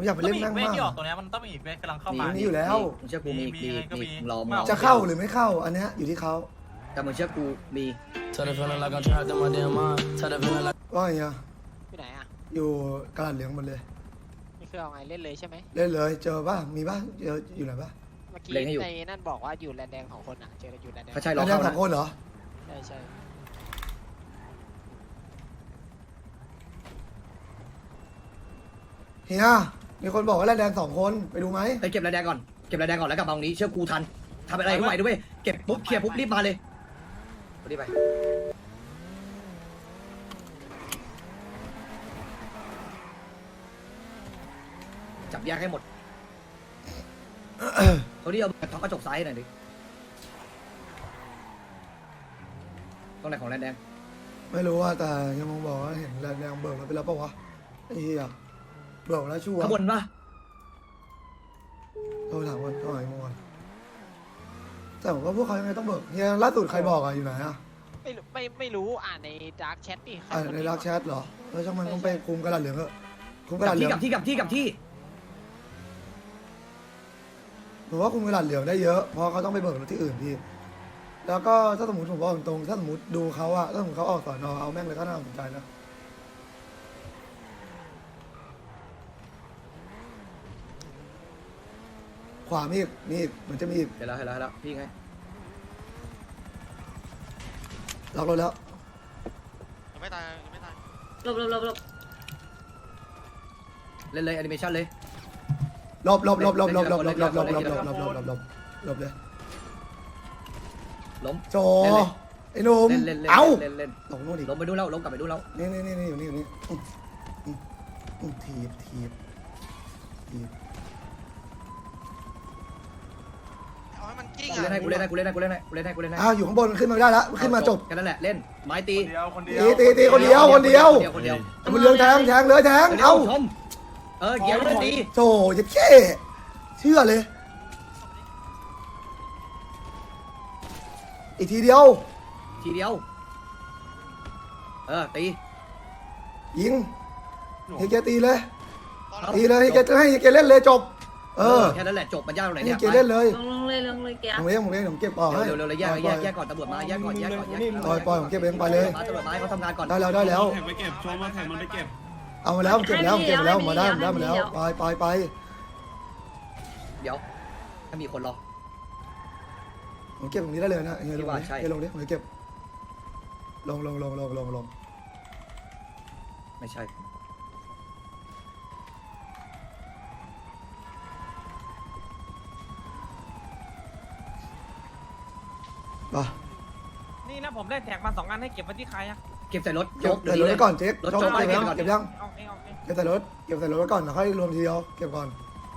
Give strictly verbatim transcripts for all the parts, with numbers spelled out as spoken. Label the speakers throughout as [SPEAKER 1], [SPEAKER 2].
[SPEAKER 1] ผมอยากไปเล่นนั่ง
[SPEAKER 2] เว
[SPEAKER 1] มาก
[SPEAKER 2] ที่ออกตัวนี้มันต้องมีอีกเวทกำลังเข้ามา
[SPEAKER 1] มีอยู่แล้ว
[SPEAKER 3] มึงเชื่อกูมี
[SPEAKER 2] มี
[SPEAKER 3] มี
[SPEAKER 2] ก็มี
[SPEAKER 3] มีมึงรอมึง
[SPEAKER 1] จะเข้าหรือไม่เข้าอันเนี้ยอยู่ที่เขา
[SPEAKER 3] แต่มึงเชื่อกูมี
[SPEAKER 1] ว่าไงอะ
[SPEAKER 4] ที่ไหนอ่ะ
[SPEAKER 1] อยู่กระดาษเหลืองหมดเลย
[SPEAKER 4] นี่คือเอาไงเล่นเลยใช่ไหม
[SPEAKER 1] เล่นเลยเจอป่ะมีป่ะเจออยู่ไหนป่ะ
[SPEAKER 4] เมื่อกี้ในนั่นบอกว่าอยู่แลนแดงของคนอ่ะเจออยู่แลนแดง
[SPEAKER 3] เขาใช่ร
[SPEAKER 1] แล้
[SPEAKER 3] อ
[SPEAKER 1] ว
[SPEAKER 3] เข้า
[SPEAKER 1] สอ
[SPEAKER 3] นะ
[SPEAKER 1] งคนเหรอ
[SPEAKER 4] ใช่ใช่
[SPEAKER 1] เฮียมีคนบอกว่าแลนแดงสองคนไปดูไหม
[SPEAKER 3] ไปเก็บระแดงก่อนเก็บระแดงก่อนแล้วกลับมาตรงนี้เชื่อกูทันทำอะไรก็ไหวด้วยเก็บปุ๊บเคลียร์ปุ๊บรีบมาเลยรีบไปจับแยกให้หมดเขาที่เอาท็อปกระจกซ้ายหน่อยดิตรงไหนของแลนแดง
[SPEAKER 1] ไม่รู้ว่าแต่ยังมองบอกว่าเห็นแลนแดงเบิกแล้วไปแล้วปะวะไอ้เหี้ยเบิกแล้วชัวร์
[SPEAKER 3] ข้างบนปะ
[SPEAKER 1] โทรถามกันเท่าไหร่เมื่อวานแต่ผมว่าพวกเขายังไงต้องเบิกเฮียล่าสุดใครบอกอะอยู่ไหนอะ
[SPEAKER 4] ไม่ไม่ไม่รู้อ่านในดาร์กแชทดิ
[SPEAKER 1] อ่าในรักแชทเหรอแล้วช่างมันต้องไปคุมกระดาษเหลืองเถอะคุมกระ
[SPEAKER 3] กั
[SPEAKER 1] ดา
[SPEAKER 3] บ
[SPEAKER 1] ษเหลื
[SPEAKER 3] ที่
[SPEAKER 1] อง
[SPEAKER 3] กับที่กับที่กับที่
[SPEAKER 1] ผมว่าคุมกระดาษเหลืองได้เยอะเพราะเขาต้องไปเบิกรถที่อื่นพี่แล้วก็ถ้าสมมติผมบอกตรงๆถ้าสมมติดูเขาอะถ้าสมมติเขาออกสอนอเอาแม่งเลยก็น่าสนใจนะขวามีอีกมีอีกเหมือนจะมีอีก
[SPEAKER 3] เห็นแล้วเห็นแล้วเห็นแล้วพี่ไง
[SPEAKER 1] ล็อกรถแล้ว
[SPEAKER 2] ยังไม่ตายยังไม่ตาย
[SPEAKER 5] หลบหลบหลบหลบ
[SPEAKER 3] เล่นเลยแอนิเมชันเลย
[SPEAKER 1] หลบหลบหลบหลบหลบหลบหลบหลบหลบหลบหลบหลบหลบหลบหลบหลบเลย
[SPEAKER 3] ล้ม
[SPEAKER 1] โจไอ้หนุ่ม
[SPEAKER 3] เล่นเล่นเล่น
[SPEAKER 1] เอ้า
[SPEAKER 3] เล่นเล่น
[SPEAKER 1] ตกนู่นอีก
[SPEAKER 3] ล้มไปดูแล้วล้มกลับไปดูแล้ว
[SPEAKER 1] นี่นี่นี่นี่อยู่นี่อยู่นี่อืมอืมอืมทีบทีบทีบ
[SPEAKER 2] เอาให้มันกิ้ง
[SPEAKER 3] กูเล่นให้กูเล่นให้กูเล่นให้กูเล่นให้กูเล่นให้กูเล่นให้
[SPEAKER 1] อ้าวอยู่ข้างบนขึ้นมาไม่ได้ละขึ้นมาจบ
[SPEAKER 3] แค่นั้นแหละเล่นไม้ตี
[SPEAKER 2] เดียวคนเดียว
[SPEAKER 1] ตีตีตีคนเดียวคนเดียว
[SPEAKER 3] คนเดียว
[SPEAKER 1] มันเรืองแทงแทงเลยแทงเอ้า
[SPEAKER 3] ชมเออเกี่ยวเลยตี
[SPEAKER 1] โจจะเช่เชื่อเลย อีกทีเดียว
[SPEAKER 3] ทีเดียวเออตี
[SPEAKER 1] ยิงเฮเกตีเลยตีเลยเฮเกให้เฮเกเล่นเลยจบเออ
[SPEAKER 3] แค่นั้นแหละจบมันยากตรงไหน
[SPEAKER 1] เฮ
[SPEAKER 3] เนี่ย
[SPEAKER 1] เกเล่นเลย
[SPEAKER 5] ลงลงเลยลงเลยแก
[SPEAKER 1] ผมเองผมเองผมเก็บออกให้
[SPEAKER 3] เร็วเร็วเร็วแยกแยกแยกก่อนตำรวจมาแยกก่อนแยกก่อนแยก
[SPEAKER 1] ปล่อยปล่อยผมเก็บเองไปเลย
[SPEAKER 3] ตำรวจมาให้เขาทำงานก่อน
[SPEAKER 1] ได้แล้วได้แล้ว
[SPEAKER 6] แท็กไปเก็บชมว่าแท็กมันไปเก็บ
[SPEAKER 1] เอามาแล้วผมเก็บแล้วผมเก็บมาแล้วมาได้มาได้มาแล้วไปไปไป
[SPEAKER 3] เดี๋ยวถ้ามีคนรอ
[SPEAKER 1] ผมเก็บตรงนี้ได้เลยนะเฮียลง
[SPEAKER 3] ว่า
[SPEAKER 1] ดิ
[SPEAKER 3] ใช่
[SPEAKER 1] เฮียลงดิผมเก็บลงลงลงลงลงลง
[SPEAKER 3] ไม่ใช่
[SPEAKER 1] มา
[SPEAKER 7] นี่นะผมได้แท็กมาสองอันให้เก็บไว้ที่ใครอะ
[SPEAKER 3] เก็บใส่รถ
[SPEAKER 1] เก็บ
[SPEAKER 3] เดี๋ย
[SPEAKER 1] ใส่
[SPEAKER 3] ว
[SPEAKER 1] รถ
[SPEAKER 3] นี้เล
[SPEAKER 1] ไว้
[SPEAKER 3] ย
[SPEAKER 1] ก่อนเจ๊
[SPEAKER 3] รถ
[SPEAKER 1] จบ
[SPEAKER 3] จอดไว้
[SPEAKER 1] เก็บยัง
[SPEAKER 3] ก่อน
[SPEAKER 1] เก็บยัง
[SPEAKER 7] เอาเองเอาเอง
[SPEAKER 1] เก็บใส่รถเก็บใส่รถไว้ก่อนแล้วค่อยรวมทีเดียวเก็บก่อน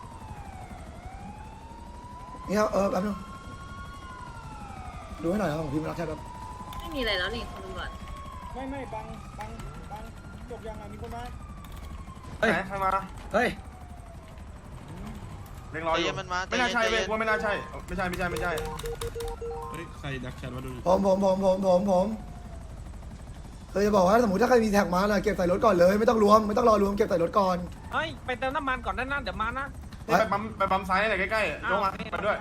[SPEAKER 1] นี่ครับเออแป๊บนึงดูให้หน่อยครับของพี่มารักแค่แบบ
[SPEAKER 5] ไม่มีอะไรแล้วนี่คุณตำรวจ
[SPEAKER 6] ไม่ไม่บังบังบังจบยังไงมีคนมา
[SPEAKER 3] เฮ้ย
[SPEAKER 2] ใครมา
[SPEAKER 3] เฮ้ย
[SPEAKER 2] เร่งรออยู่มันมาไม่น่าใช่เว้ยว่าไม่น่าใช่ไม่ใช่ไม่ใช่ไม่ใช่
[SPEAKER 6] เฮ้ยใครดักแชทมาดู
[SPEAKER 1] ผมผมผมผมผมผมเคยจะบอกว่าสมมติถ้าใครมีแท็กมาน่ะเก็บใส่รถก่อนเลยไม่ต้องรวมไม่ต้องรอรวมเก็บใส่รถก่อน
[SPEAKER 7] เฮ้ยไปเติมน้ำมันก่อนได้นะเดี๋ยวมานะ
[SPEAKER 2] ไปปั๊มไปปั๊มซ้ายหน่อยใกล้ๆลงมามาด้วย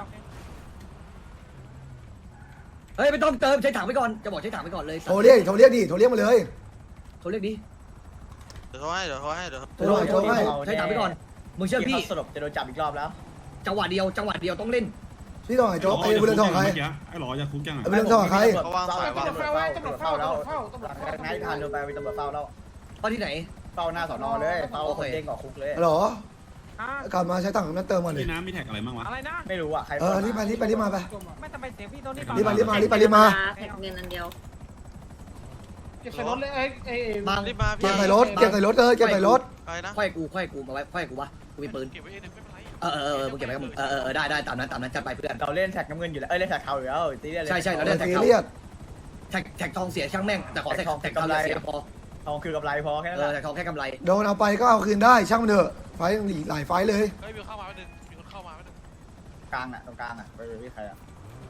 [SPEAKER 3] เฮ้ยไม่ต้องเติมใช้ถังไปก่อนจะบอกใช้ถังไปก่อนเลย
[SPEAKER 1] โทรเรียกโทรเรียกดิโทรเรียกมาเลย
[SPEAKER 3] โทรเรียกดิ
[SPEAKER 2] เดี๋ยวเขาให้เดี๋ยวเขาให้เดี๋ยว
[SPEAKER 1] โทรหน่อยโทรให้
[SPEAKER 3] ใช้ถังไปก่อนมึงเชื่อพี่
[SPEAKER 7] สรุปจะโดนจับอีกรอบแล้ว
[SPEAKER 3] จังหวะเดียวจังหวะเดียวต้องเล่น
[SPEAKER 1] พี่ต้องไหนโจ๊กไอ้บุญเรืองทองใคร
[SPEAKER 6] ไอ้หลอจะคุกยัง
[SPEAKER 1] ไอ้บุญเรืองทองใคร
[SPEAKER 2] เขาวางสายวาง
[SPEAKER 7] ตำรวจเฝ้าตำรวจเฝ้าแล้วนายทานเดินไปเป็นตำรวจเฝ้าแล้ว
[SPEAKER 3] เฝ้าที่ไหน
[SPEAKER 7] เฝ้าหน้าสอนอเลยเฝ้าคนเด้งก่อคุกเลย
[SPEAKER 1] หรอ
[SPEAKER 7] อ่ะ
[SPEAKER 1] กลับมาใช้ตังค์นั้นเติมมาเลย
[SPEAKER 6] พี่น้ำมีแท็กอะไรบ้างวะ
[SPEAKER 7] อะไรนะไม่รู้อ่ะใคร
[SPEAKER 1] เออรีบมารีบไปรีบมาไป
[SPEAKER 7] ไม่ทำไมเสียงพี่โทนี่ก่อน
[SPEAKER 1] รีบมารีบมารีบไปรีบมา
[SPEAKER 5] แท็กเงินอันเดียว
[SPEAKER 7] เก็บใส่รถเลยเอ้ยเอ้ย
[SPEAKER 3] บาง
[SPEAKER 2] รีบมา
[SPEAKER 1] เก็บใส่รถเก็บใส่รถเลยเก็บใส่รถ
[SPEAKER 2] ไปนะ
[SPEAKER 3] ค่อยกูค่อยกูมาไว้ค่อยกูวะกูมีปืน
[SPEAKER 2] เก็บไว้เองไม่เป็นไร
[SPEAKER 3] เออเออเออมึงเก็บไว้กับมึงเออเออได้ได้ตามนั้นตามนั้นจัดไปเพื่อน
[SPEAKER 7] เราเล่นแท็กน้ำเงินอยู่แล้วเอ้ยเล่นแท็กเทาอยู่แล้วตีเล่น
[SPEAKER 3] ใช่ใช่เราเล่นแท็ก
[SPEAKER 1] ซี
[SPEAKER 3] เขา
[SPEAKER 1] เรียส
[SPEAKER 3] แท็กแท็กทองเสียช่างแม่งแต่ขอแท็กแท็กกำไรเสียพอ
[SPEAKER 7] ทองคือกำไรพอแค่นั้น
[SPEAKER 3] เอ
[SPEAKER 7] แห
[SPEAKER 3] อ
[SPEAKER 7] ละ
[SPEAKER 3] แท็กทองแค่กำไร
[SPEAKER 1] โดนเอาไปก็เอาคืนได้ช่างมันเถอะไฟหลายไฟเลย
[SPEAKER 2] เฮ้ยมีคนเข้ามาไม่ดึงมีคนเข้ามาไม่ดึง
[SPEAKER 7] กลางอ่ะตรงกลางอ่ะไปที่ใครอ่ะ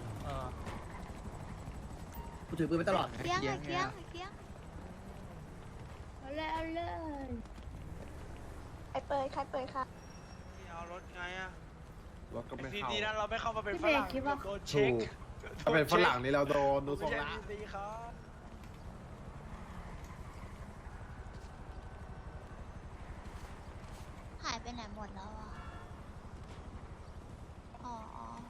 [SPEAKER 3] กูถือปืนไปตลอด
[SPEAKER 8] เกี้ยงอะเกี้ยงอะเกี้ยงเอาเลยเอาเลยใครเปิดใครเปิดครับรถไงอะ
[SPEAKER 2] รถก็ไม่
[SPEAKER 8] ดี
[SPEAKER 2] เข้า
[SPEAKER 8] ดีนะเราไม่เข้ามาเป็นฝ
[SPEAKER 5] พี่เบ
[SPEAKER 8] รั่ง
[SPEAKER 5] คิดว่า
[SPEAKER 8] โดนเช็ค
[SPEAKER 2] ถ้าเป็นฝรั่งนี่เราโดนดูทรง
[SPEAKER 8] ไม่
[SPEAKER 2] ละ
[SPEAKER 8] ใช่ดีครับ
[SPEAKER 9] หายไปไหนหมดแล้วอ่ะ อ๋อ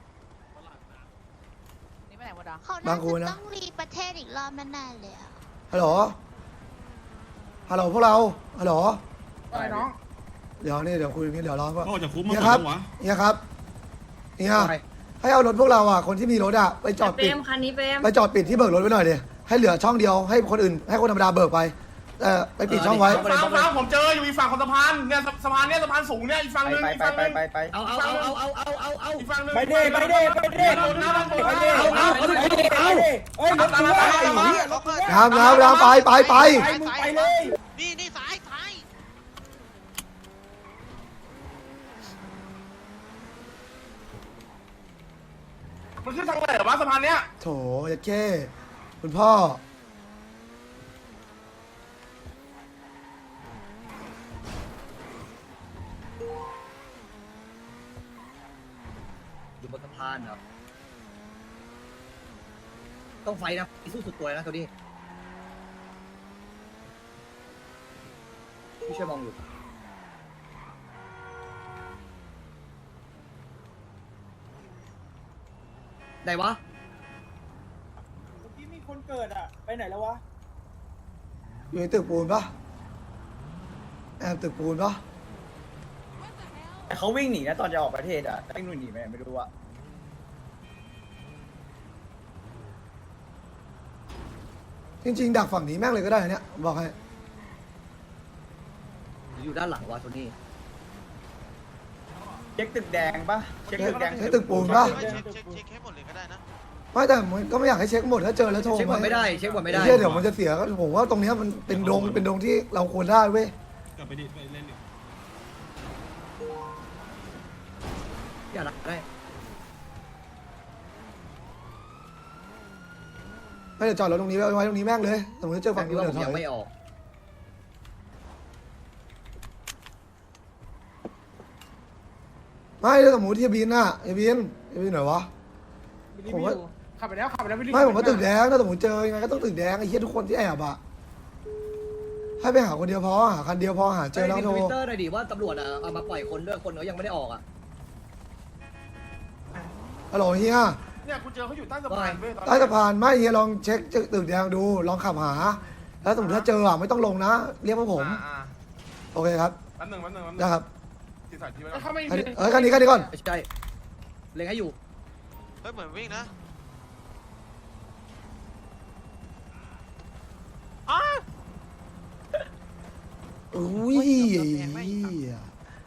[SPEAKER 4] นี่ไปไหนหมดอ่ะ
[SPEAKER 9] เขา
[SPEAKER 1] บา
[SPEAKER 9] น่าง
[SPEAKER 1] กู
[SPEAKER 9] จะ
[SPEAKER 1] นะ
[SPEAKER 9] ต้องรีประเทศอีกรอบแน่ๆเลยอ่ะ
[SPEAKER 1] ฮัลโหล ฮัลโหลพวกเรา ฮัลโหล
[SPEAKER 6] อะไรน้อง
[SPEAKER 1] เดี๋ยวนี่เดี๋ยวคุยนี่เดี๋ยวรอก่อน
[SPEAKER 10] โอ้จะคุ้ม
[SPEAKER 1] เนี่
[SPEAKER 10] มาย ก
[SPEAKER 1] ครับ
[SPEAKER 10] วะ
[SPEAKER 1] เนี่ยครับเนี่ย
[SPEAKER 3] ไป
[SPEAKER 1] ให้เอารถพวกเราอ่ะ คนที่มีรถอ่ะ ไปจอด
[SPEAKER 5] เปร
[SPEAKER 1] ปิด
[SPEAKER 5] มคันนี้เปรม
[SPEAKER 1] ไปจอดปิดที่เบิกรถไว้หน่อยดิให้เหลือช่องเดียว ให้คนอื่น ให้คนธรรมดาเบิกไปเออไปปิดช่องไว้
[SPEAKER 2] ฟังฟังผมเจออยู่อีกฝั่งของสะพานเนี่ยสะพานเนี่ยสะพานสูงเนี่ยอีกฝั่ง
[SPEAKER 7] ไป
[SPEAKER 2] นึง
[SPEAKER 7] ไป
[SPEAKER 2] อีก
[SPEAKER 7] ไป
[SPEAKER 2] ฝั่ง
[SPEAKER 7] ไป
[SPEAKER 2] นึง
[SPEAKER 7] ไปไป
[SPEAKER 3] เอาเอาเอาเอาเอาเอาเอา
[SPEAKER 2] อีกฝั่งนึง
[SPEAKER 6] ไปเด้ไปเด้ไปเด้
[SPEAKER 2] โดนนะโดน
[SPEAKER 6] ไป
[SPEAKER 2] นะ
[SPEAKER 6] เด้
[SPEAKER 3] เอาเอาเอาเอาเอา
[SPEAKER 6] เอ้ยรถกูว่าไอ้เหี้ยรถกูว่า
[SPEAKER 1] น้ำน้ำน้ำไปไปไป
[SPEAKER 6] ไปมึงไปเลย
[SPEAKER 8] นี่นี่สายสาย
[SPEAKER 2] มันขึ้นทางไหนเหรอวะสะพานเนี้ย
[SPEAKER 1] โถยแค่คุณพ่อ
[SPEAKER 3] อยู่บนสะพานครับ ต้องไฟนะสู้สุดตัวนะตัวนี้พี่ช่วยมองอยู่ไหนวะ
[SPEAKER 6] เมื่อกี้มีคนเกิดอ่ะ ไปไหนแล้ววะ
[SPEAKER 1] อยู่ในตึกปูนปะแอบตึกปูนปะ
[SPEAKER 7] แต่เขาวิ่งหนีนะตอนจะออกประเทศอ่ะวิ่งหนีไปไหนไม่รู้อ่ะ
[SPEAKER 1] จริงๆดักฝั่งนี้แม่งเลยก็ได้นะเนี่ยบอกให้
[SPEAKER 3] อยู่ด้านหลังวะตัวนี้
[SPEAKER 7] เช็คตึกแดงปะเช็คตึกแดง
[SPEAKER 1] ใช้ตึกปูนปะ
[SPEAKER 8] เช็คเช็คเช็คให้หมดเลยก็ได้นะ
[SPEAKER 1] ไม่แต่มันก็ไม่อยากให้เช็คหมดถ้าเจอแล้วโทร
[SPEAKER 3] เช็คหมดไม่ได้ เช็คหมดไม่ได้
[SPEAKER 1] เหี้ยเดี๋ยวมันจะเสียก็ผมว่าตรงเนี้ยมันเป็นดงเป็นดงที่เราควรได้เว้ย
[SPEAKER 10] กลับไปดิไปเล่นดิ
[SPEAKER 3] อย่าหลักได้
[SPEAKER 1] ไม่เดี๋ยวจอดรถตรงนี้ไว้ไว้ตรงนี้แม่งเลยสมมติเจอ
[SPEAKER 3] ฝั่
[SPEAKER 1] ฝั่
[SPEAKER 3] ง
[SPEAKER 1] ง
[SPEAKER 3] นี้
[SPEAKER 1] นู้น
[SPEAKER 3] ว่า
[SPEAKER 1] เดี๋
[SPEAKER 3] ผ
[SPEAKER 1] ยวถอย
[SPEAKER 3] มยังไม่ออก
[SPEAKER 1] ไม่ถ้าสมมติที่บินน่ะไอ้บินไอ้บินไหนวะ ผมว่า
[SPEAKER 6] ขับไปแล้วขับไปแล้ว
[SPEAKER 1] ไม่ผมว่าตึกแดงถ้าสมมติเจอยังไงก็ต้องตึกแดงไอ้เหี้ยทุกคนที่แอบอะให้ไปหาคนเดียวพอหาคันเดียวพอหาเจอแล้ว
[SPEAKER 3] ใน
[SPEAKER 1] โท
[SPEAKER 3] ท
[SPEAKER 1] ร
[SPEAKER 3] วิตเตอร์หน่อยดิว่าตำรวจอ่ะเอามาปล่อยคนด้วยคนเขายังไม่ได้ออกอ่ะ
[SPEAKER 1] ฮัลโหลเฮีย
[SPEAKER 2] เนี่ยกูเจอเขาอยู่ใต้สะพานเว้ยตอน
[SPEAKER 1] ใต้สะพานไม่เฮียลองเช็คตึกแดงดูลองขับหา แล้วสมมติถ้าเจออะไม่ต้องลงนะ เรียกพวกผม
[SPEAKER 2] อ่า
[SPEAKER 1] โอเคครับ
[SPEAKER 2] แป๊บหนึงแป๊บหนึงแป๊บหนึง
[SPEAKER 1] ได้ครับ
[SPEAKER 2] ที่ใส่ที่ไว้ก่อน
[SPEAKER 6] ถ้าไม่
[SPEAKER 1] คันนี้เอ้ยคันนี้คันนี้ก่อน
[SPEAKER 3] ไม่ใช่เล็งให้อยู่
[SPEAKER 8] เฮ้ยเหมือนวิ่งนะ
[SPEAKER 1] อุ้ยเหี้ย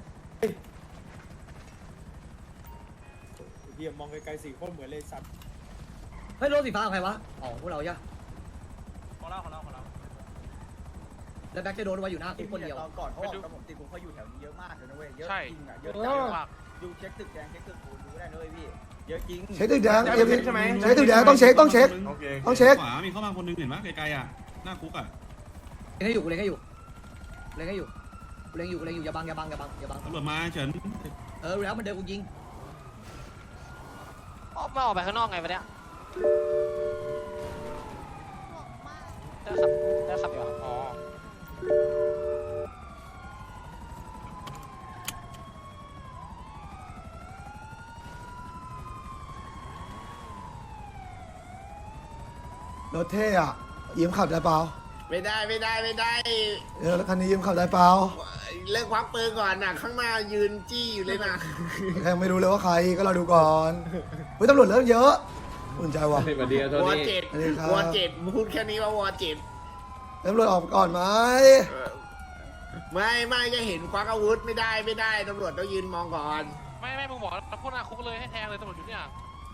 [SPEAKER 6] เดี๋ยวมองไกลๆสี่คนเหมือนเลยสัตว์
[SPEAKER 3] เฮ้ยรถสีฟ้าของใครวะอ๋อพวกเราย่ะ
[SPEAKER 8] ของเราของเราของเรา
[SPEAKER 3] แล้วแบ็คจะโดนไว้อยู่หน้าคุกคนเดียว
[SPEAKER 7] ตอนก่อนเขาออกกับผมตีกูเขาอยู่แถวนี้เยอะมากเลยนะเว้ยเยอะ
[SPEAKER 8] ใช่
[SPEAKER 7] จริงอ่ะเยอะจังมากดูเช็คตึกแดงเช็คตึกปูนดูได้นะเว้ยพี่เยอะจริง
[SPEAKER 1] เช็คตึกแดง
[SPEAKER 2] จะ
[SPEAKER 1] เอ็ม
[SPEAKER 2] เช็คใช่ไหม
[SPEAKER 1] เช็คตึกแดงต้องเช็คต้องเช็ค
[SPEAKER 2] โอเค
[SPEAKER 1] ต้องเช็ค
[SPEAKER 10] ขวามีเข้ามาคนนึงเห็นปะไกลๆอ่ะหน้าคุกอ่ะ
[SPEAKER 3] เล็งให้อยู่กูเล็งให้อยู่เล็งให้อยู่กูเล็งอยู่กูเล็งอยู่อย่าบังอย่าบังอย่าบังอย่าบัง
[SPEAKER 10] ตำรวจมาเฉิน
[SPEAKER 3] เออแล้วมันเดินกูยิง
[SPEAKER 4] ออกมาออกไปข้างนอกไงวะเนี่ย
[SPEAKER 9] บอกมาก
[SPEAKER 4] ได้ขับได้ขับอยู่อ๋อ
[SPEAKER 1] รถเท่อะยืมขับได้เปล่า
[SPEAKER 11] ไม่ได้ไม่ได้ไม่ได้
[SPEAKER 1] เออคันนี้ยืมขับได้เปล่า
[SPEAKER 11] เลิกควักปืนก่อนนะข้างหน้ายืนจี้อยู่เลยนะ
[SPEAKER 1] ยังไม่รู้เลยว่าใครก็เราดูก่อนเฮ้ยตำรวจเริ่มเยอะอุ่นใจว่ะ
[SPEAKER 11] วอเจ็ด
[SPEAKER 1] สวัสดีครับ
[SPEAKER 11] วอเจ็ดพูดแค่นี้ว่าวอเจ็ด
[SPEAKER 1] ตำรวจออกก่อนไหม
[SPEAKER 11] เออไม่ไม่ก็เห็นควักอาวุธไม่ได้ไม่ได้ตำรวจต้องยืนมองก่อน
[SPEAKER 4] ไม่ไม่มึงบอกแล้วพูดหน้าคุกเลยให้แทงเลยตำรวจอยู่เนี่ย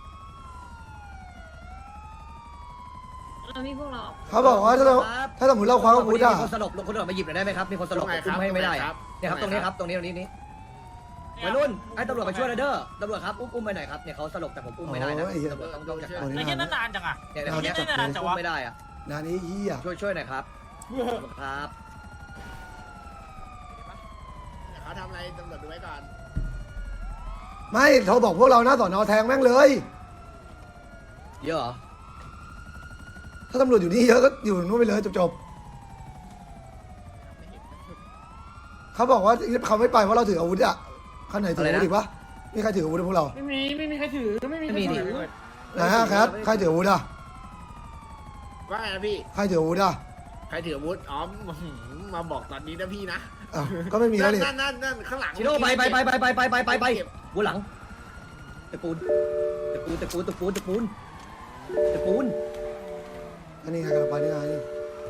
[SPEAKER 5] เรามีพวกเราออก
[SPEAKER 1] เขาบอกว่าถ้าเราถ้าสมมติเราคว้าอาวุธอะ
[SPEAKER 3] มีคนสลบคนสลบมาหยิบหน่อยได้ไหมครับมีคนสลบ
[SPEAKER 11] ตรงไหน
[SPEAKER 3] อุ้มให้ไม่ได้
[SPEAKER 11] ครั
[SPEAKER 3] อะ
[SPEAKER 11] บ
[SPEAKER 3] เนี่ยครับตรงนี้ครับตรงนี้ตรงนี้นี้วัยรุ่นให้ตำรวจมาช่วยหน่อยเด้อตำรวจครับอุ้มอุ้มไปหน่อยครับเนี่ยเขาสลบแต่ผมอุ้มไม่ได้นะตำรวจต้องต้องจัดการ
[SPEAKER 1] โอ้ย
[SPEAKER 4] ไม่ใช่นานจังอ่ะ
[SPEAKER 3] เนี่ยคนเนี้ยอุ้มไม่ได้อะ
[SPEAKER 1] นานนี้เฮีย
[SPEAKER 3] ช่วยช่วยหน่อยครับครับ
[SPEAKER 11] เขาทำอะไรตำรวจดูไว้ก่อน
[SPEAKER 1] ไม่โทรบอกพวกเราหน้าสอนอแทงแม่งเลย
[SPEAKER 3] เยอะเหรอ
[SPEAKER 1] ถ้าตำรวจอยู่นี่เยอะก็อยู่นู่นไปเลยจบๆเขาบอกว่าเขาไม่ไปเพราะเราถืออาวุธอะข้างไหนถืออาวุธอีกปะมีใครถืออาวุธพวกเรา
[SPEAKER 6] ไม่มีไม่มีใครถือไม่มีใคร
[SPEAKER 3] ไม่มี
[SPEAKER 6] ถือ
[SPEAKER 1] ไหนฮะแคทใครถืออาวุธอะ
[SPEAKER 11] ว่าไงนะพี่
[SPEAKER 1] ใครถืออาวุธอะ
[SPEAKER 11] ใครถืออาวุธอ๋อมาบอกตอนนี้นะพี่นะ
[SPEAKER 1] อ้าวก็ไม่มีแล้วนี่
[SPEAKER 11] นั่นนั่นนั่นข้างหลัง
[SPEAKER 3] ชิโร่ไปไปไปไปไปไปไปไปไปหัวหลังตะปูนตะปูนตะปูนตะปูนตะปูนตะปูน
[SPEAKER 1] อันนี้ใครกำลังไปนี่ไงนี่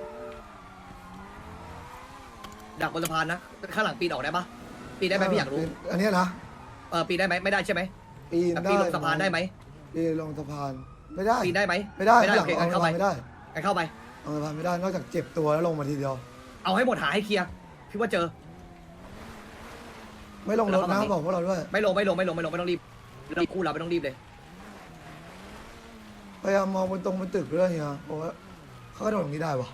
[SPEAKER 3] ดักบนสะพานนะข้างหลังปีนออกได้ปะปีนได้ไหมพี่อยากรู้
[SPEAKER 1] อันนี้นะ
[SPEAKER 3] เออปีนได้ไหมไม่ได้ใช่ไหม
[SPEAKER 1] ปีน
[SPEAKER 3] แต่
[SPEAKER 1] ได้
[SPEAKER 3] ปีนลงสะพานได้ไหม
[SPEAKER 1] ปีนลงสะพานไม่ได้
[SPEAKER 3] ปีนได้ไหม
[SPEAKER 1] ไม่ได้
[SPEAKER 3] ไม่ได้
[SPEAKER 1] หลั
[SPEAKER 3] โอง เค
[SPEAKER 1] เอา
[SPEAKER 3] งั้น
[SPEAKER 1] สะ
[SPEAKER 3] เข้า
[SPEAKER 1] พา
[SPEAKER 3] ไป
[SPEAKER 1] นไม่ได้
[SPEAKER 3] งั้นเข้าไป
[SPEAKER 1] เอาสะพานไม่ได้นอกจากเจ็บตัวแล้วลงมาทีเดียว
[SPEAKER 3] เอาให้หมดหาให้เคลียร์พี่ว่าเจอ
[SPEAKER 1] ไม่ลงรถนะบอกพวกเราด้วย
[SPEAKER 3] ไม่ลงไม่ลงไม่ลงไม่ลงไม่ต้องรีบไม่ต้องคู่เราไม่ต้องรีบเลย
[SPEAKER 1] พยายามมองบนตรงบนตึกด้วยเฮียเพราะว่าเขากระโดดตรงนี้ได้ปะ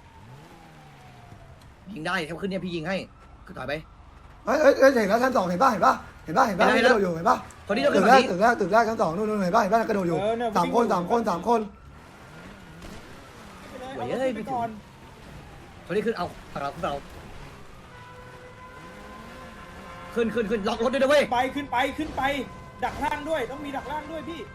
[SPEAKER 3] ยิงได้เขาขึ้นเนี่ยพี่ยิงให้คือถอยไป
[SPEAKER 1] เอ้ยเอ้ยเอ้ยเห็นแล้วชั้นสองเห็นป่ะเห็นป่ะเห็นป่ะเห็นป่ะ
[SPEAKER 3] เห็น
[SPEAKER 1] ก
[SPEAKER 3] แล้ว
[SPEAKER 1] ระโดดอยู่เห็นป่ะ
[SPEAKER 3] คนที่เรา
[SPEAKER 1] ตึ
[SPEAKER 3] ขึ้น
[SPEAKER 1] กแร
[SPEAKER 3] ฝั่ง
[SPEAKER 1] ก
[SPEAKER 3] นี้
[SPEAKER 1] ตึกแรกตึกแรกชั้นสองนู่นนู่นเห็นป่ะเห็นป่ะกระโดดอยู่สามคนสามคนสามคน
[SPEAKER 6] ไปเลยเอาไปก่อน
[SPEAKER 3] คนที่ขึ้นเอาฝั่งเราขึ้นเราขึ้นขึ้นขึ้นล็อกรถด้วยนะเว้ย
[SPEAKER 6] ไปขึ้นไปขึ้นไป ดักล่างด้วยต้องมีดักล่างด้วยพี่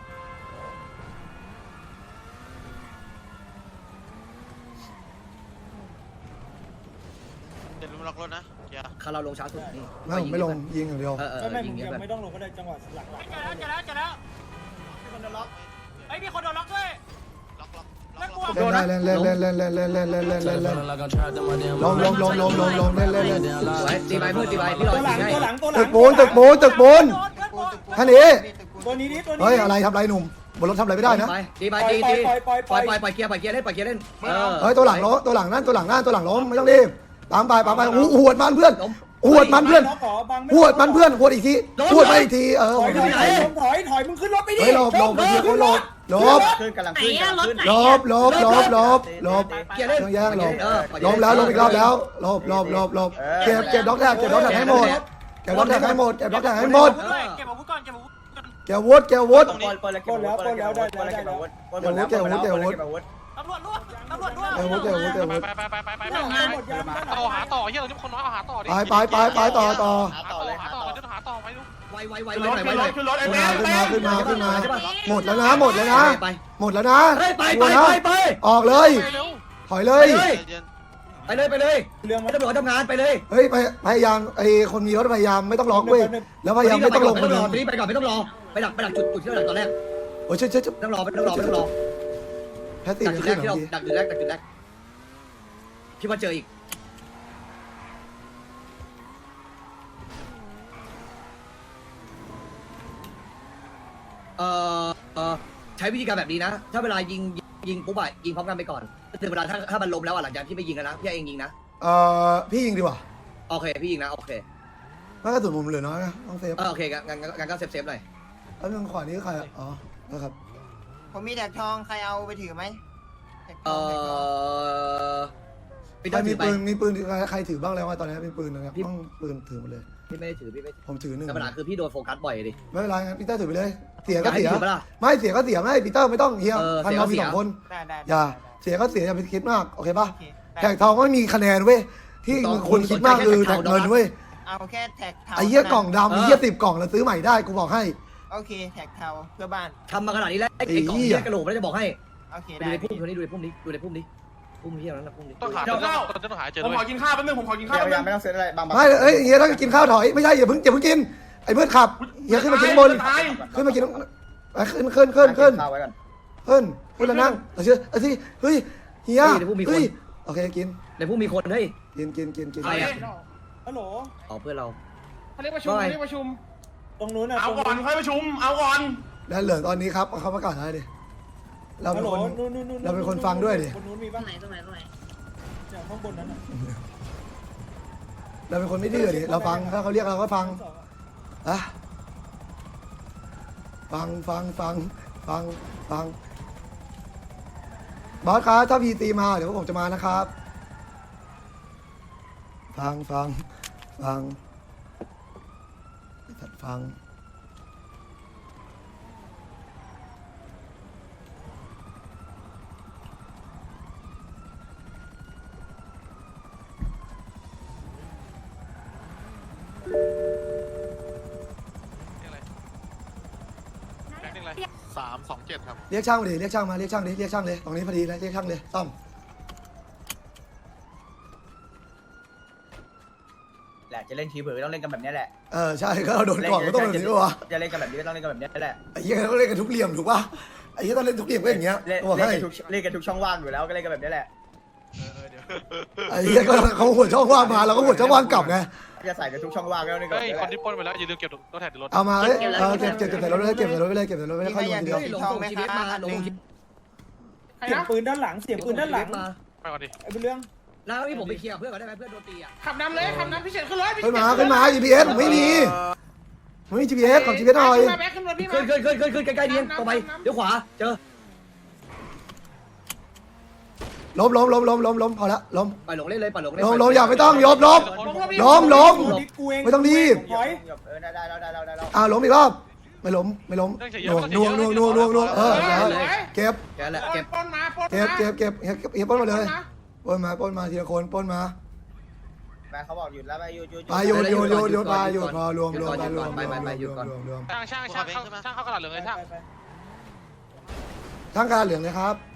[SPEAKER 8] เดี๋ยวลุงล็อกรถนะเกียร์
[SPEAKER 3] คาเราลงช้าสุดนี่
[SPEAKER 1] ไม่ผมไม่ลงยิงอย่างเดียว
[SPEAKER 3] เออเออ
[SPEAKER 6] ไม่ไม่
[SPEAKER 3] ยิ
[SPEAKER 6] ผ
[SPEAKER 3] ง
[SPEAKER 6] ม
[SPEAKER 3] เยอะ
[SPEAKER 6] ยัง
[SPEAKER 3] แบบ
[SPEAKER 6] ไม่ต้องลงก็ได้จังหวะหลังหลัง
[SPEAKER 8] เจอแล้วเจอแล้วเจอแล้วมีคนโดนล็อกเอ้ยมีคนโดนล็อกด้วยล็อกล็อกล็อกล็อก
[SPEAKER 1] เล่นได้เล่นเล่นเล่นเล่นเล่นเล่นเล่นเล่นเล่นเล่นเล่นลงลงลงลงลงลงเล่นเล่นเล่น
[SPEAKER 3] สวยตีไปเพื่อตีไปพี่รอ
[SPEAKER 6] ตัวหลั
[SPEAKER 3] ยิ
[SPEAKER 6] ง
[SPEAKER 3] งให้
[SPEAKER 6] ตัวหลังตัวหลั
[SPEAKER 1] ตึ
[SPEAKER 6] ง
[SPEAKER 1] กปูนตึกปูนตึกปูนแค่นี้
[SPEAKER 6] ตัวนี้ดิตัวนี้
[SPEAKER 1] เฮ้ยอะไรทำไรหนุ่มบนรถทำอะไรไม่ได้นะ
[SPEAKER 3] ไปตีไป
[SPEAKER 6] ปล่อย
[SPEAKER 3] ตี
[SPEAKER 6] ปล่อ
[SPEAKER 3] ตี
[SPEAKER 6] ยปล่อยปล่อย
[SPEAKER 3] ปล่อยปล่อยปล่อยเกียร์ปล่อยเกียร์เล่นปล่อยเกียร์เล่นเออ
[SPEAKER 1] เฮ้ยตัวหลังล้มตัวหลังนั่นตัวหลังนั่นตัวหลังล้มไม่ต้องรีบตามไปตามไปหูหวดมันเพื่อนหวดมันเพื่อน
[SPEAKER 6] ล็อกหรอบัง
[SPEAKER 1] หวดมันเพื่อนหวดอีกทีหวดมาอีกทีเออ
[SPEAKER 6] ถอยถอยถอยถอยถอยมึงขึ้นรถไปดิ
[SPEAKER 1] เฮ้ยหลบหลบเดี๋ยวคนหลบหลบ
[SPEAKER 7] ขึ้นกำลัง
[SPEAKER 5] ไหน
[SPEAKER 7] ขึ้น
[SPEAKER 5] อะ
[SPEAKER 7] กำลัง
[SPEAKER 5] รถ
[SPEAKER 7] ขึ้น
[SPEAKER 5] ไหน
[SPEAKER 1] หล
[SPEAKER 5] อะ
[SPEAKER 1] บหลบหลบหลบหลบ
[SPEAKER 3] เกียร์เล่น
[SPEAKER 1] ต้องแย่งหลบ
[SPEAKER 3] เออ
[SPEAKER 1] ล้มแล้วล้มอีกรอบแล้วหลบหลบหลบหลบหลบเก็บเก็บด็อกแท็กเก็บด็อกแท็กให้หมดเก็บด็อกแท็กให้หมดเก็บด็อกแท็กให้หมด
[SPEAKER 8] เก็บอาวุธก่อนเก็บอาวุธก่อน
[SPEAKER 1] เก็บวุฒเก็บวุฒ
[SPEAKER 7] ปล้นปล้นแล้วเก็บอาวุธปล้นแล้วเก็บอาวุธปล้นแล้วเก็บอาวุธปล้นหมดแล้ว
[SPEAKER 1] เก็บอาวุธเก็บอาวุธ
[SPEAKER 7] เก็บอาวุธ
[SPEAKER 8] ตำรวจร่วมตำรวจร่วม
[SPEAKER 1] เก็บวุฒเก็บวุฒเก็บวุฒ
[SPEAKER 8] ไปไปไปไปไป
[SPEAKER 6] ด้านหลังหมดยังด้านหลัง
[SPEAKER 8] ต่อหาต่อเฮียเราที่คนน้อยเอาหาต่อดิ
[SPEAKER 1] ไปไปไปไปต่อต่อ
[SPEAKER 8] หาต่อหาต่อจะหาต่อไปดู
[SPEAKER 3] ไวไวไว
[SPEAKER 2] ขึ้น
[SPEAKER 3] ไว
[SPEAKER 2] รถ
[SPEAKER 3] หน่อย
[SPEAKER 2] ขึ้
[SPEAKER 3] ไวน ห
[SPEAKER 2] ร
[SPEAKER 3] น่อย
[SPEAKER 2] ถขึ้นรถไอ้
[SPEAKER 1] ขึ้น
[SPEAKER 2] แม่
[SPEAKER 1] มาขึ้นมาขึ้นมาขึ้นมา
[SPEAKER 3] ใช่ปะ
[SPEAKER 1] หมดแล้วนะหมดแล้วนะ
[SPEAKER 3] ไป
[SPEAKER 1] หมดแล้วนะ
[SPEAKER 3] ไปไป
[SPEAKER 1] หม
[SPEAKER 3] ไป
[SPEAKER 1] ดแล้ว
[SPEAKER 3] ไปไป
[SPEAKER 1] ออกเลย
[SPEAKER 8] ไปเร็ว
[SPEAKER 1] ถอยเลย
[SPEAKER 3] ไปเลย
[SPEAKER 8] ใจเย็น
[SPEAKER 3] ไปเลยไปเลย
[SPEAKER 6] เรื่อง
[SPEAKER 3] ไม่
[SPEAKER 6] มัน
[SPEAKER 3] ตำรวจทำงานไปเลย
[SPEAKER 1] เฮ้ยพยพยายามไอ้คนมีรถพยายามไม่ต้องล็อกเว้ยแล้วพยายามไม่ต้องลง
[SPEAKER 3] ไม่
[SPEAKER 1] คน
[SPEAKER 3] ต้อง
[SPEAKER 1] นึ
[SPEAKER 3] รง อไปก่อนไม่ต้องรอไปดักไปดักจุดจุดที่เราดักตอนแรก
[SPEAKER 1] โอ้ยเช่ยเช่ยเช่ย
[SPEAKER 3] ไม่ต้องรอไม่ต้องรอไม่ต้องรอ
[SPEAKER 1] แพตตี้
[SPEAKER 3] ดัก
[SPEAKER 1] มัน
[SPEAKER 3] จุดแร
[SPEAKER 1] ขึ้
[SPEAKER 3] ก
[SPEAKER 1] นห
[SPEAKER 3] ที่
[SPEAKER 1] น่
[SPEAKER 3] เรา
[SPEAKER 1] อยดิ
[SPEAKER 3] ดักจุดแรกดักจุดแรกพี่ว่าเจออีกเอ่อเอ่อใช้วิธีการแบบนี้นะ ถ้าเวลายิงยิงปุ๊บอะยิงพร้อมกันไปก่อนถึงเวลาถ้าถ้ามันล้มแล้วอะหลังจากที่ไม่ยิงกันนะพี่เองยิงนะ
[SPEAKER 1] เอ่อพี่ยิงดีกว่า
[SPEAKER 3] โอเคพี่ยิงนะโอเค
[SPEAKER 1] ไม่กระสุนผมเหลือน้อยนะต้องเซฟ
[SPEAKER 3] เออโอเคงั้นงั้นงั้นก็เซฟเซฟหน่อย
[SPEAKER 1] แล้วนึงขวานี้ใครอ่ะอ๋อนะครับ
[SPEAKER 4] ผมมีแท็กทองใครเอาไปถือไหม
[SPEAKER 3] เออพี่
[SPEAKER 1] ใคร
[SPEAKER 3] ต้อง
[SPEAKER 1] มี
[SPEAKER 3] ถือไป
[SPEAKER 1] ปืนมีปืนใครถือบ้างแล้วว่าตอนนี้มีปืนนะครับต้องปืนถือหมดเลย
[SPEAKER 3] พี่ไม่ได้ถือพี่ไม่
[SPEAKER 1] ผมถือหนึ่ง
[SPEAKER 3] แต่ปัญหาคือพี่โดนโฟกัสบ่อยดิ
[SPEAKER 1] ไม่เป็นไรงั้นปีเตอร์ถือไปเลย เสีย
[SPEAKER 3] อ
[SPEAKER 1] ก็
[SPEAKER 3] ยากให้
[SPEAKER 1] เสีย
[SPEAKER 3] ถือปะล่ะ
[SPEAKER 1] ไม่เสียก็เสียไม่ปีเตอร์ไม่ต้องเฮีย
[SPEAKER 3] เออ
[SPEAKER 1] พัน
[SPEAKER 3] เสีย
[SPEAKER 1] เรา
[SPEAKER 3] ก็
[SPEAKER 1] มี
[SPEAKER 3] เสีย
[SPEAKER 1] สองคน
[SPEAKER 4] ได้ได้
[SPEAKER 1] อย่าเสียก็เสียอย่าไปคิดมากโอเคปะแท็กทองก็ไม่มีคะแนนเว้ยที่มึงควรคิดมากคือแท็กเงินเว้ย
[SPEAKER 4] เอาแค่แท็กเทา
[SPEAKER 1] ไอ้เหี้ยกล่องดำไอ้เหี้ยสิบกล่องแล้วซื้อใหม่ได้กูบอกให้
[SPEAKER 4] โอเคแท็กเทาเพื่อบ้าน
[SPEAKER 3] ทำมาขนาดนี้แล้วไอ้
[SPEAKER 1] ไอ้
[SPEAKER 3] ไอ้กล่อง
[SPEAKER 1] เหี้
[SPEAKER 3] ที่
[SPEAKER 1] ย
[SPEAKER 3] กระโหลกไม่ได้จะบอกให้
[SPEAKER 4] โอเค
[SPEAKER 3] ดู
[SPEAKER 4] ได้
[SPEAKER 3] ในพุ่มตัวนี้ดูในพุ่มนี้ดูในพุ่มนี้พุ่มที่นั้นนะพุ่มนี้
[SPEAKER 8] ต้องหา
[SPEAKER 2] ข้าว
[SPEAKER 8] ต้องหาเจอ
[SPEAKER 2] ผม
[SPEAKER 8] ด้วย
[SPEAKER 2] ขอกินข้าวแป๊บนึงผมขอกิน
[SPEAKER 7] พ
[SPEAKER 2] ข้าวแป๊บ
[SPEAKER 7] ยายา
[SPEAKER 2] นึ
[SPEAKER 7] ม
[SPEAKER 2] ง
[SPEAKER 7] ไม่ต้องเซ็ตอะไรบางบาง
[SPEAKER 1] ไม่เอ้ยเฮียถ้ากินข้าวถอยไม่ใช่อย่าเพิ่งอย่าเพิ่งกินไอ้เมื่อขับเฮียขึ้นมากินบน
[SPEAKER 2] ตาย
[SPEAKER 1] ขึ้นมากินไปขึ้นขึ้นขึ้นขึ้น
[SPEAKER 7] ข้าวไว้ก่อน
[SPEAKER 1] ขึ้นขึ้นแล้วนั่งเอาเชื่อเอาสิเฮ้ยเฮียเฮ้ยโอเคกิน
[SPEAKER 3] ในพุ่มมีคนเฮ้ย
[SPEAKER 1] กินกินกินกิน
[SPEAKER 3] ใครอะ
[SPEAKER 6] ฮัลโหล
[SPEAKER 3] อ๋อเพื่อนเรา
[SPEAKER 6] เขาเรียกประชุมเขาเรียกประชุม ตรงนู้นนะ
[SPEAKER 2] เอาก่อนค่อยประชุมเอาก่อน
[SPEAKER 1] แล้วเหลือตอนนี้ครับเขาประกาศอะไรดิเรา
[SPEAKER 6] ฮั
[SPEAKER 1] เป็
[SPEAKER 6] ล
[SPEAKER 1] น
[SPEAKER 6] โหล
[SPEAKER 1] คน
[SPEAKER 6] นู่นนู่นนู่น
[SPEAKER 1] เราเป็นคนฟังด้วยดิ
[SPEAKER 6] คนนู้นมี
[SPEAKER 5] ตร
[SPEAKER 6] ปะ
[SPEAKER 5] งไหนตรงไหนตรงไหน
[SPEAKER 6] เนี่ยข้างบนนั้นน่ะ
[SPEAKER 1] เราเป็นคนไม่ดื้อดิเราฟังถ้าเขาเรียกเราก็ฟังอะฟังฟังฟังฟังฟังบอสครับถ้าพีตีมาเดี๋ยวผมจะมานะครับ ฟังฟังฟังฟัง
[SPEAKER 2] อะไรสามสองเจ็ดครับ
[SPEAKER 1] เรียกช่างมาดิเรียกช่างมาเรียกช่างดิเรียกช่างเลยตรงนี้พอดีเลยเรียกช่างเลยซ่อม
[SPEAKER 7] แหละจะเล่นทีเผลอต้องเล่นกันแบบนี้แหละ
[SPEAKER 1] เออใช่ก็เราโดนก่อนก็ต้องแบบนี้วะ
[SPEAKER 7] จะเล่นกันแบบนี้ก็ต้องเล่นกันแบบนี้แหละ
[SPEAKER 1] ไอ้เหี้ยต้องเล่นกันทุกเหลี่ยมถูกป่ะไอ้เหี้ยต้องเล่นทุกเหลี่ยมก็อย่างเงี้ย
[SPEAKER 7] เล่น
[SPEAKER 1] บอก
[SPEAKER 7] เล่น
[SPEAKER 1] ให้
[SPEAKER 7] กันทุกเล่นกันทุกช่องว่างอยู่แล้วก็เล่นกันแบบนี้แหละ
[SPEAKER 1] ไอ้เหี้ยก็เขาหัวช่องว่างมาเราก็หัวช่องว่างกลับไง
[SPEAKER 7] จะใส่กันทุกช่องว่างก็เล่นกันแบบนี้แหละ
[SPEAKER 2] ปล้นไปแล้วอย่าลืมเก็บรถแท็กรถ
[SPEAKER 1] เอามาเอ้ยเออเก็บเก็บเก็บใส่รถไปเลยเก็บใส่รถไปเลยเก็บใส่รถไปเลยค่อยลงทีเดียว
[SPEAKER 3] หลงส่งชีวิตมาหลงส่งชีวิต
[SPEAKER 6] เสียงปืนด้านหลังเสียงปืนด้านหลัง
[SPEAKER 3] มา
[SPEAKER 2] ไปก่อนดิ
[SPEAKER 6] ไอ้เป็นเรื่อง
[SPEAKER 3] แล้วที่ผมไปเคลียร์เพื่อนก่อนได้ไหมเพื่อนโดนตีอ่ะ
[SPEAKER 8] ขับนำเลยขับนำพี่เฉินขึ้นรถ
[SPEAKER 1] ขึ้นมาขึ้นมา จี พี เอส ผมไม่มีไม่มี จี พี เอส ของ จี พี เอส หน่อย
[SPEAKER 8] มาแบ็คขึ้นรถพี่มา
[SPEAKER 3] ขึ้นขึ้นขึ้นขึ้นขึ้นใกล้ๆเนียนตรงไปเดี๋ยวขวาเจอ
[SPEAKER 1] ล้มล้มล้มล้มล้มล้มพอละล้ม
[SPEAKER 3] ปล่อยหลงเล่นเลยปล่อยหลงเล่น
[SPEAKER 1] ล้มล้มอย่าไม่ต้องยบล้ม ล้มล้ม ไม่ต้องรีบ
[SPEAKER 6] ถอย
[SPEAKER 7] เออได้ได้ได้ได้ได้
[SPEAKER 1] อ่าล้มอีกรอบไม่ล้มไม่ล้มนวงนวงนวงนวงนวงเออเก็บ
[SPEAKER 3] แกแหละเก็บ
[SPEAKER 8] ปล้นมาปล้น
[SPEAKER 1] เก็บ
[SPEAKER 8] มา
[SPEAKER 1] เก็บเก็บเก็บเก็บปล้นมาเลยปล้นมาปล้นมาทีละคนปล้นมา
[SPEAKER 7] แม่เขาบอกหยุดแล้วไปหยุดหยุด
[SPEAKER 1] ไปหยุดหยุดหยุดหยุดไปหยุดพอรวมรวมไปรวมรวมรวมรวมรวม
[SPEAKER 2] ช่างช่างช่างช่างเข้ากระดาษเหลืองเลยช่าง
[SPEAKER 1] ทั้งการเหลืองเลยครับ